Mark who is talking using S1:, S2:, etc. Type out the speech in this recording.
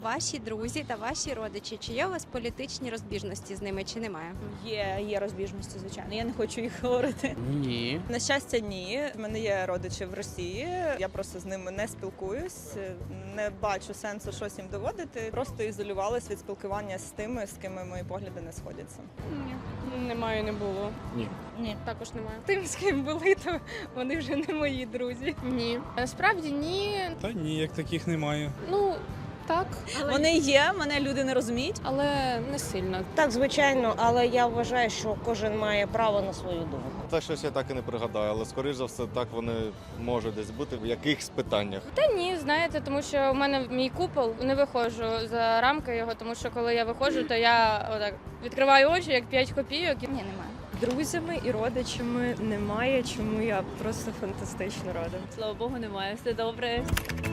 S1: Ваші друзі та ваші родичі, чи є у вас політичні розбіжності з ними, чи немає?
S2: Є розбіжності, звичайно. Я не хочу їх говорити.
S3: Ні.
S2: На щастя, ні. У мене є родичі в Росії. Я просто з ними не спілкуюсь, не бачу сенсу щось їм доводити. Просто ізолювалась від спілкування з тими, з ким мої погляди не сходяться.
S4: Ні, немає, не було.
S3: Ні.
S4: Ні, також немає. Тим, з ким були, то вони вже не мої друзі. Ні. Насправді ні.
S5: Та ні, як таких немає.
S4: Ну, так,
S2: Вони є, мене люди не розуміють.
S4: але не сильно.
S6: Так, звичайно, але я вважаю, що кожен має право на свою думку.
S7: Та щось я так і не пригадаю, але скоріш за все так вони можуть десь бути в якихось питаннях.
S4: Та ні, знаєте, тому що в мене мій купол, не виходжу за рамки його, тому що коли я виходжу, то я отак відкриваю очі, як 5 копійок. Ні, немає.
S8: Друзями і родичами немає, чому я просто фантастично рада.
S9: Слава Богу, немає. Все добре.